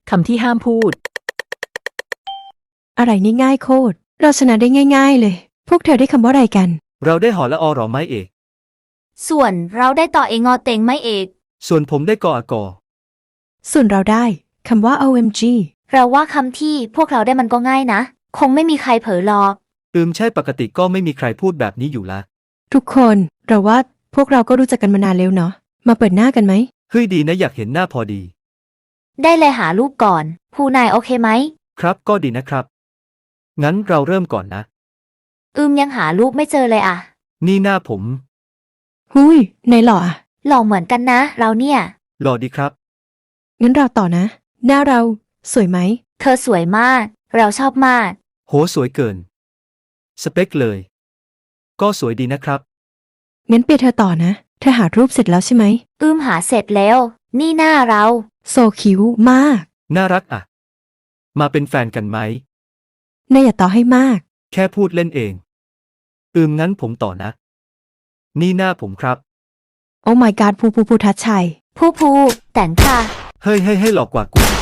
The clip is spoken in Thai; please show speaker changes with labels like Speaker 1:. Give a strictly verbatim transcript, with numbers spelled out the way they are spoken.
Speaker 1: คำที่ห้ามพูด
Speaker 2: อะไรนี่ง่ายโคตรเราชนะได้ง่ายๆเลยพวกเธอได้คำว่าอะไรกัน
Speaker 3: เราได้หอและอหรอไม่เอก
Speaker 4: ส่วนเราได้ต่อเองอเต็งไม่เอก
Speaker 3: ส่วนผมได้กออากอ
Speaker 2: ส่วนเราได้คำว่า โอ เอ็ม จี
Speaker 4: เราว่าคำที่พวกเราได้มันก็ง่ายนะคงไม่มีใครเผลอหรอก
Speaker 3: อืมใช่ปกติก็ไม่มีใครพูดแบบนี้อยู่ละ
Speaker 2: ทุกคนเราว่าพวกเราก็รู้จักกันมานานแล้วเนาะมาเปิดหน้ากันไหม
Speaker 3: เฮ้ยดีนะอยากเห็นหน้าพอดี
Speaker 4: ได้เลยหารูปก่อนผู้นายโอเคไหม
Speaker 3: ครับก็ดีนะครับ งั้นเราเริ่มก่อนนะ
Speaker 4: อืมยังหารูปไม่เจอเลยอะ
Speaker 3: นี่หน้าผม
Speaker 2: หุยในหล่ออะ
Speaker 4: หล่อเหมือนกันนะ เราเนี่ย
Speaker 3: หล่อดีครับ
Speaker 2: งั้นเราต่อนะ หน้าเราสวยไหม
Speaker 4: เธอสวยมาก เราชอบมาก
Speaker 3: โหสวยเกิน สเปคเลย ก็สวยดีนะครับ
Speaker 2: งั้นเปียเธอต่อนะเธอหารูปเสร็จแล้วใช่ไหม
Speaker 4: อืมหาเสร็จแล้ว นี่หน้าเรา
Speaker 2: โซคิ้วมาก
Speaker 3: น่ารักอ่ะ มาเป็นแฟนกันไหม
Speaker 2: นายอย่าต่อให้มาก
Speaker 3: แค่พูดเล่นเอง อืมงั้นผมต่อนะ นี่หน้าผมครับ
Speaker 2: โอ้ my god ภูภูภูทัชชัย
Speaker 4: ผู้ภูแต่งค่ะ
Speaker 3: เฮ้ยเฮ้ยเฮ้ยหลอกกว่ากูอีก